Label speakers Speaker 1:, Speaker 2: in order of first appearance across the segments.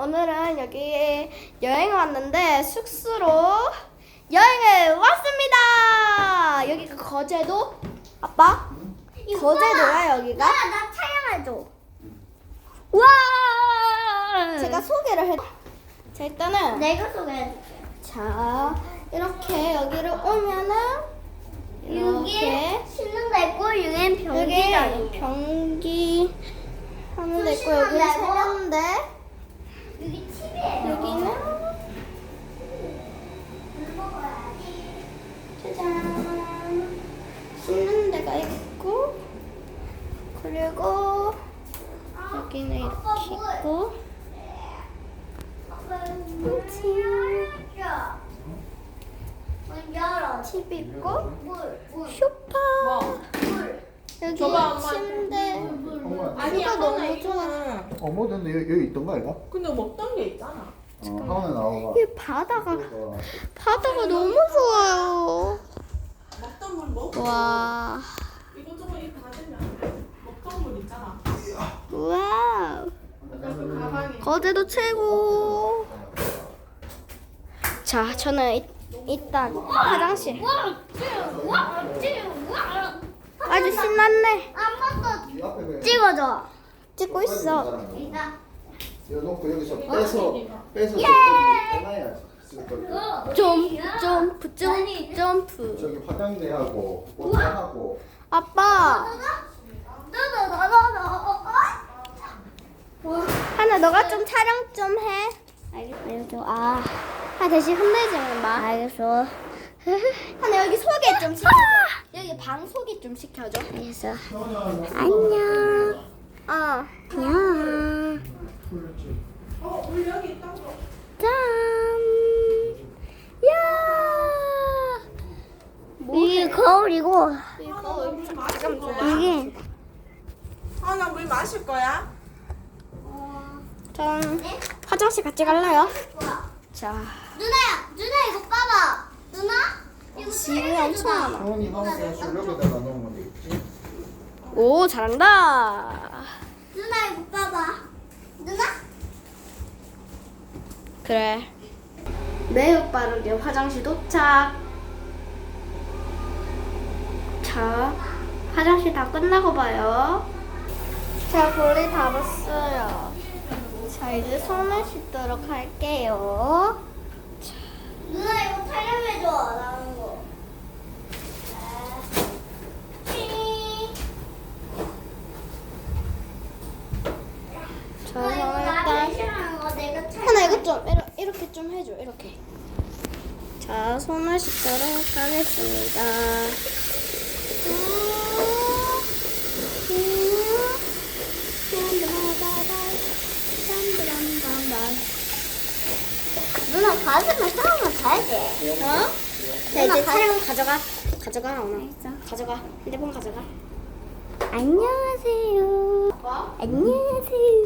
Speaker 1: 오늘은 여기 여행 왔는데 숙소로 여행을 왔습니다. 여기가 거제도? 아빠? 거제도야 여기가?
Speaker 2: 나 촬영해줘.
Speaker 1: 와! 제가 소개를 해. 자 일단은
Speaker 2: 내가 소개해줄게.
Speaker 1: 자 이렇게 여기를 오면은 이렇게
Speaker 2: 여기 쉬는 데 있고 여기는
Speaker 1: 여기
Speaker 2: 변기장이에요.
Speaker 1: 변기 하는 데 있고
Speaker 2: 쉬는
Speaker 1: 여기는
Speaker 2: 데고.
Speaker 1: 세면대
Speaker 2: 여기 TV예요.
Speaker 1: 여기는
Speaker 2: 물 먹어야지.
Speaker 1: 짜잔 씻는 데가 있고 그리고 여기는 이렇게 있고
Speaker 2: 문 열어.
Speaker 1: TV 있고
Speaker 2: 물.
Speaker 1: 소파
Speaker 2: 물.
Speaker 1: 여기
Speaker 3: 줘봐, 엄마.
Speaker 1: 침대
Speaker 3: 아니야,
Speaker 1: 너무
Speaker 3: 하나
Speaker 1: 좋아.
Speaker 3: 이거는.
Speaker 4: 뭐 근데 여기 있던가 이거?
Speaker 3: 근데 먹던 게 있잖아.
Speaker 4: 하원에 나와봐.
Speaker 1: 이 바다가
Speaker 4: 이거.
Speaker 1: 너무 좋아요.
Speaker 3: 먹던 물 먹고
Speaker 1: 와
Speaker 3: 이것저것 이렇게 받으면 먹던 물 있잖아.
Speaker 1: 와우
Speaker 3: 그 가방에
Speaker 1: 거제도 최고. 자 저는 일단 화장실 아주 신났네.
Speaker 2: 한 번
Speaker 4: 이 앞에
Speaker 2: 더 찍어줘.
Speaker 1: 찍고 있어.
Speaker 2: 이따.
Speaker 4: 이거 놓고 여기서 빼서
Speaker 2: 예!
Speaker 4: 빼놔야지. 쓸 걸.
Speaker 1: 점프 점프.
Speaker 4: 저기 화장대하고 옷장하고
Speaker 1: 아빠 하나 너가 좀 촬영 좀 해.
Speaker 2: 알겠어.
Speaker 1: 대신 흔들지는 마.
Speaker 2: 알겠어.
Speaker 1: 하나 여기 소개 좀 시켜줘. 여기 방 소개 좀 시켜줘.
Speaker 2: 알겠어.
Speaker 1: 안녕.
Speaker 2: 안녕.
Speaker 3: 물 여기 있다고.
Speaker 1: 짠. 야.
Speaker 2: 이게 거울이고
Speaker 3: 물 마실 거야.
Speaker 2: 이게
Speaker 3: 하나 물 마실 거야?
Speaker 1: 전 화장실 같이 갈래요? 자.
Speaker 2: 누나 이거 봐봐. 누나 이거
Speaker 1: 집이 엄청 많아.
Speaker 4: 하원이 하원에 여기다가 놓으면 되겠지.
Speaker 1: 오 잘한다.
Speaker 2: 누나 이거 봐봐. 누나
Speaker 1: 그래. 매우 빠르게 화장실 도착. 자, 화장실 다 끝나고 봐요. 자, 볼일 다 봤어요. 자, 이제 손을 씻도록 할게요.
Speaker 2: 누나 이거 촬영해줘. 나오는 거.
Speaker 1: 자,
Speaker 2: 누나 이거
Speaker 1: 손을
Speaker 2: 나를
Speaker 1: 일단
Speaker 2: 싫어하는 거 내가
Speaker 1: 하나 이것 좀 이렇게 좀 해줘. 이렇게. 자, 손을 씻도록 하겠습니다.
Speaker 2: 누나 가슴을 촬영을 봐야지.
Speaker 1: 어? 자 이제 촬영 가져가 오늘. 가져가 휴대폰 가져가.
Speaker 2: 안녕하세요. 안녕하세요.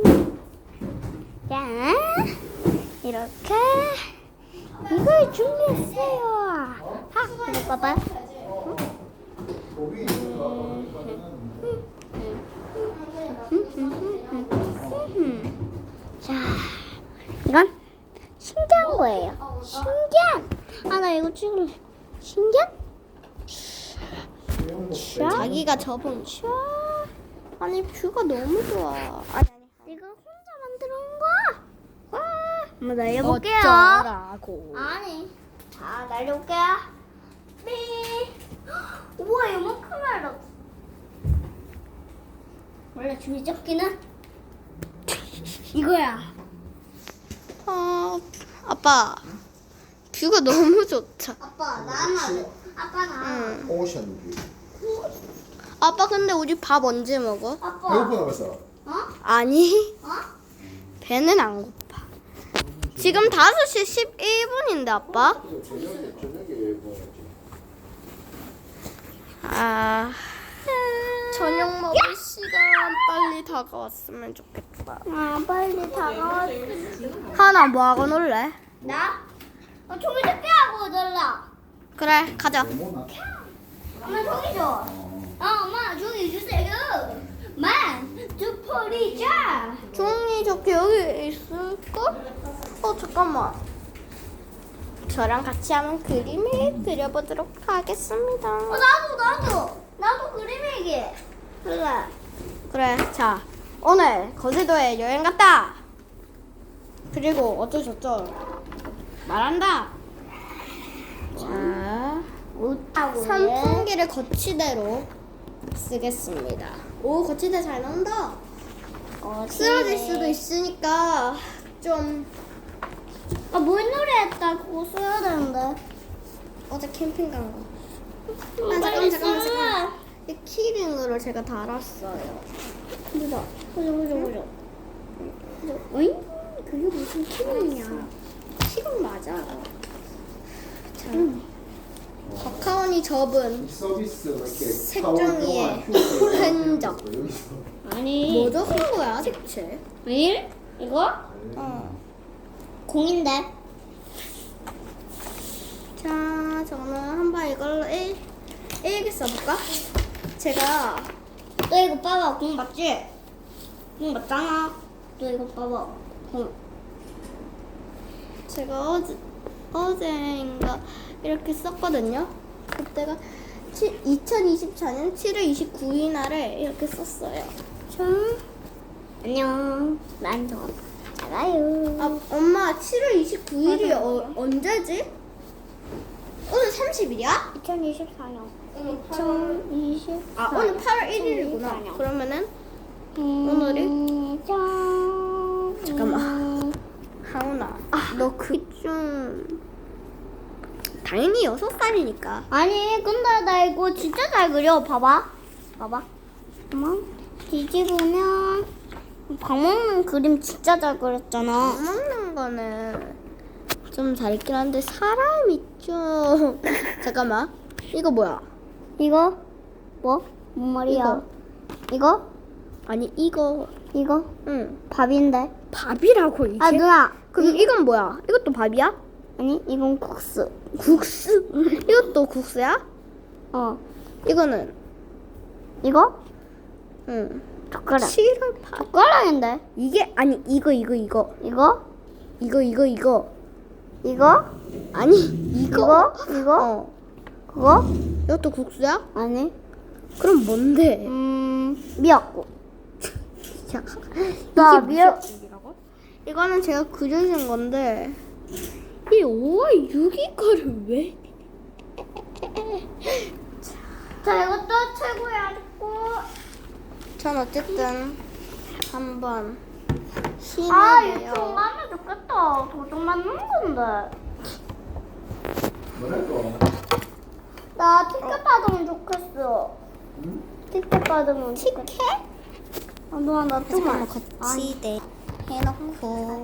Speaker 2: 자, 이렇게 이걸 준비했어요. 이거 봐봐.
Speaker 4: 고기 있는 거.
Speaker 2: 자, 이건 신기한 거예요. 신기한. 나 이거 찍을래. 신기한?
Speaker 1: 자기가 접은 아니 뷰가 너무 좋아. 아니
Speaker 2: 이거 혼자 만들어온 거야. 와, 한번 날려볼게요.
Speaker 1: 어쩌라고.
Speaker 2: 아니, 자 날려볼게요. 네. 우와, 이만큼 날라. 원래 줄이 접기는 이거야.
Speaker 1: 아빠 뷰가 너무 좋다.
Speaker 2: 아빠 나는 아빠 나.
Speaker 1: 응.
Speaker 4: 오션 뷰.
Speaker 1: 아빠 근데 우리 밥 언제 먹어?
Speaker 2: 아빠.
Speaker 4: 배고프다 벌써.
Speaker 2: 어?
Speaker 1: 아니
Speaker 2: 어?
Speaker 1: 배는 안 고파. 지금 5시 11분인데 아빠.
Speaker 4: 저녁에 먹어야지.
Speaker 1: 저녁 먹을 시간 빨리 다가왔으면 좋겠다.
Speaker 2: 빨리 다가와.
Speaker 1: 하나 뭐 하고 놀래?
Speaker 2: 나? 종이 접기 하고 놀라.
Speaker 1: 그래 가자.
Speaker 4: 너무 나.
Speaker 2: 엄마 종이 줘. 엄마 종이 주세요. 두포리자.
Speaker 1: 종이 저기 여기 있을까? 잠깐만. 저랑 같이 한번 그림을 그려보도록 하겠습니다.
Speaker 2: 나도 그림이기.
Speaker 1: 그래, 자, 오늘 거제도에 여행 갔다. 그리고 어쩌저쩌 말한다. 자, 선풍기를 거치대로 쓰겠습니다. 오, 거치대 잘 나온다. 쓰러질 수도 있으니까 좀
Speaker 2: 물놀이 했다. 그거 써야 되는데.
Speaker 1: 어제 캠핑 간 거. 잠깐만. 이 키링으로 제가 달았어요.
Speaker 2: 보자. 어이? 그게 무슨 키링이야?
Speaker 1: 키링 맞아. 자, 박하원이 접은
Speaker 4: 서비스 이렇게
Speaker 1: 색종이의 흔적.
Speaker 2: 아니.
Speaker 1: 뭐 적은 거야, 대체?
Speaker 2: 1? 이거? 공인데.
Speaker 1: 자, 저는 한번 이걸로 일기 써볼까? 제가
Speaker 2: 너 이거 봐봐. 공 맞지? 공 맞잖아. 너 이거 봐봐. 공.
Speaker 1: 제가 어제인가 이렇게 썼거든요. 그때가 2024년 7월 29일 날에 이렇게 썼어요.
Speaker 2: 자, 안녕. 난도 잘가요.
Speaker 1: 아, 엄마 7월 29일이 언제지? 오늘 30일이야?
Speaker 2: 2024년.
Speaker 1: 오늘
Speaker 2: 2024년.
Speaker 1: 오늘 8월 1일이구나. 그러면은 오늘이 잠깐만. 하은아, 너 좀 당연히 6살이니까.
Speaker 2: 아니, 근데 나 이거 진짜 잘 그려. 봐봐. 잠깐만. 뒤집으면 밥 먹는 그림 진짜 잘 그렸잖아.
Speaker 1: 먹는 거는 좀 잘 있긴 한데 사람이 좀 잠깐만. 이거 뭐야?
Speaker 2: 이거 뭐? 뭔 말이야? 이거?
Speaker 1: 아니 이거 응
Speaker 2: 밥인데.
Speaker 1: 밥이라고 이게?
Speaker 2: 아, 누나.
Speaker 1: 그럼 이건 뭐야? 이것도 밥이야?
Speaker 2: 아니, 이건 국수.
Speaker 1: 국수? 이것도 국수야? 이거는
Speaker 2: 이거?
Speaker 1: 응
Speaker 2: 젓가락.
Speaker 1: 7월 8일
Speaker 2: 젓가락인데.
Speaker 1: 이게 아니 이거
Speaker 2: 이거?
Speaker 1: 이거 아니 이거
Speaker 2: 이거? 그거?
Speaker 1: 이것도 국수야?
Speaker 2: 아니.
Speaker 1: 그럼 뭔데?
Speaker 2: 미역국.
Speaker 1: 야,
Speaker 2: 나
Speaker 1: 이게
Speaker 2: 미역.
Speaker 1: 이거는 제가 그려준 건데 이 5월 6일 거를 왜?
Speaker 2: 자, 이것도 최고야.
Speaker 1: 전 어쨌든 한번
Speaker 2: 아, 이거
Speaker 1: 시내네요.
Speaker 2: 좀 하면 좋겠다. 도둑 맞는 건데.
Speaker 4: 뭐랄까?
Speaker 2: 나 티켓 받으면 좋겠어. 티켓 받으면 좋겠어. 누나, 나
Speaker 1: 잠깐만
Speaker 2: 좀만.
Speaker 1: 거치대 해놓고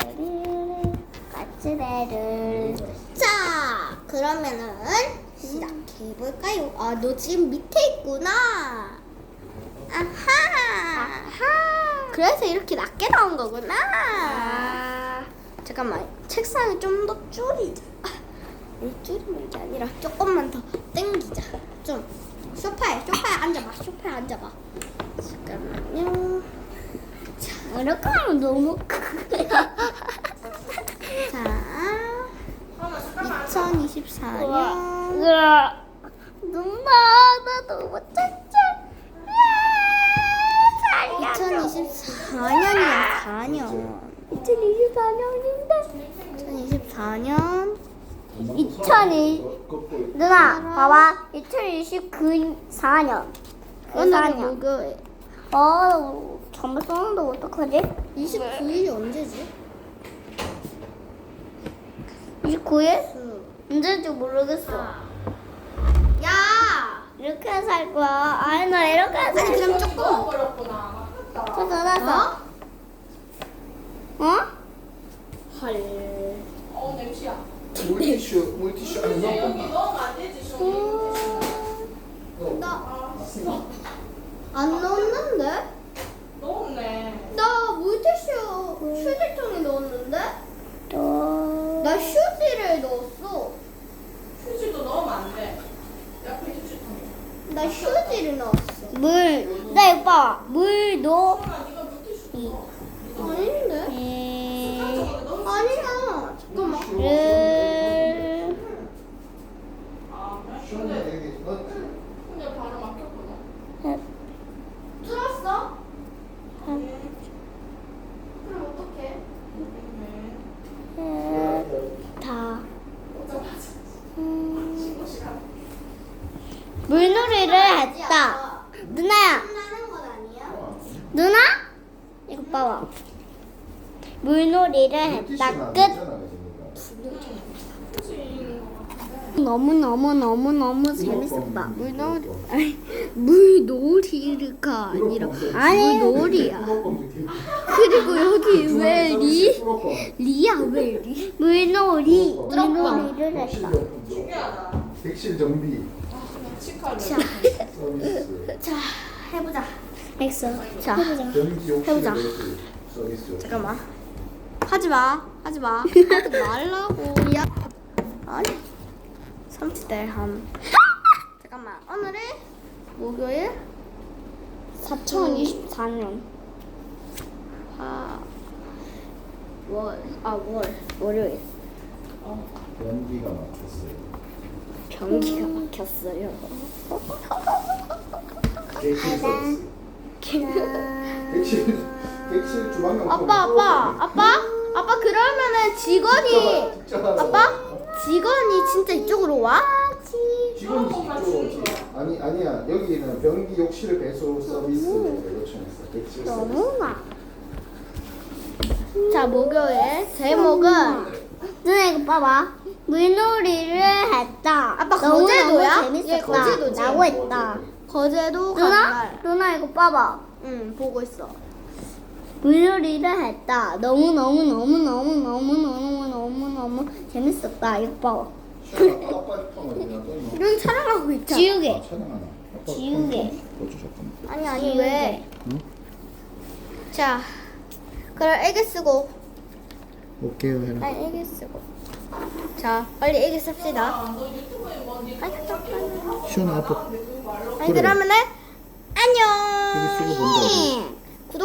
Speaker 2: 까치대를.
Speaker 1: 자 그러면은 시작해볼까요? 아 너 지금 밑에 있구나. 아하. 그래서 이렇게 낮게 나온 거구나. 잠깐만 책상을 좀 더 줄이자. 아니 줄이는 게 아니라 조금만 더 당기자. 좀 소파에 앉아봐. 잠깐만요.
Speaker 2: 이렇게 하면 너무
Speaker 1: 자 2024년
Speaker 2: 누나, 나 너무 짠짠.
Speaker 1: 2024년이야 4년
Speaker 2: 2024년인데.
Speaker 1: 2024년
Speaker 2: 2002 누나, 봐봐. 2024년.
Speaker 1: 오늘은 목요일
Speaker 2: 잘못 썼는데 어떡하지?
Speaker 1: 29일이 언제지?
Speaker 2: 29일? 언제인지 모르겠어.
Speaker 1: 야!
Speaker 2: 이렇게 해서 할 거야. 아니, 나 이렇게 해서
Speaker 1: 아니 그럼 조금
Speaker 3: 먹어버렸구나.
Speaker 2: 저 닫았어. 어?
Speaker 1: 헐
Speaker 3: 냄새야.
Speaker 4: 물티슈 안 넣어?
Speaker 3: 여기 넣으면 안 되지, 좀.
Speaker 1: 안 넣었는데?
Speaker 3: 넣었네.
Speaker 1: 나 물티슈 휴지통에 넣었는데?
Speaker 2: 또.
Speaker 1: 나 휴지를 넣었어.
Speaker 3: 휴지도 넣으면 안 돼. 옆에 휴지통에.
Speaker 1: 나 휴지를 넣었어.
Speaker 2: 물. 나 누나 이거 봐. 물놀이.
Speaker 1: 아닌데? 아니야. 잠깐만.
Speaker 2: 르.
Speaker 4: 시원해 여기 너
Speaker 3: 근데 바로 막혔구나.
Speaker 1: 뚫었어? 그럼 어떡해?
Speaker 2: 다.
Speaker 3: 오자마자
Speaker 2: 음,
Speaker 3: 시간.
Speaker 2: 물놀이를 했다. 누나야.
Speaker 1: 끝나는 건 아니야?
Speaker 2: 누나? 이거 봐봐. 물놀이를 했다. 끝. 너무 재밌었다. 물놀이. 아니, 물놀이가 아니라 물놀이야. 그리고 여기 왜 리야 왜 리? 물놀이를 했다.
Speaker 3: 신기하다.
Speaker 4: 객실 정비
Speaker 3: 치카를.
Speaker 4: 서비스
Speaker 1: 자, 해보자.
Speaker 2: 했어. 자,
Speaker 4: 변기 욕실
Speaker 2: 해보자.
Speaker 4: 매수 서비스
Speaker 1: 잠깐만. 하지 말라고. 야. 아니. 30대 함. 잠깐만. 오늘은 목요일
Speaker 2: 2024년.
Speaker 1: 월요일.
Speaker 4: 변기가 막혔어요.
Speaker 1: 변기가 막혔어요.
Speaker 4: 객실 서비스 객실 주방용
Speaker 1: 아빠 그러면은 직원이 진짜 이쪽으로 와?
Speaker 4: 직원이 이쪽으로 오지. 아니야 여기는 변기 욕실 배수 서비스를 요청했어. 객실 서비스.
Speaker 2: 너무나.
Speaker 1: 자, 목요일 제목은
Speaker 2: 누나 이거 봐봐. 물놀이를 했다.
Speaker 1: 아빠 거제도야?
Speaker 2: 너무
Speaker 1: 얘
Speaker 2: 재밌었다.
Speaker 1: 거제도지?
Speaker 2: 라고 했다.
Speaker 1: 거제도
Speaker 2: 누나?
Speaker 1: 간날.
Speaker 2: 누나 이거 봐봐.
Speaker 1: 응, 보고 있어.
Speaker 2: 물놀이를 했다. 너무 재밌었다. 이거 봐봐.
Speaker 4: 시원아, 아빠 폰을 그냥 떴나?
Speaker 1: 이런 촬영하고 있잖아.
Speaker 2: 지우개.
Speaker 4: 촬영하나? 아빠
Speaker 2: 지우개.
Speaker 4: 어쩌 잠깐만.
Speaker 1: 아니 왜? 자, 그럼 애기 쓰고.
Speaker 4: 오케이 해라.
Speaker 1: 아니 애기 쓰고. 자, 빨리 애기 씁시다.
Speaker 3: 너 유튜브에 뭐니?
Speaker 1: 아니 잠깐만.
Speaker 4: 시원아 아빠
Speaker 1: 아니 그러면은 안녕.
Speaker 4: 이거 쓰고 본다고.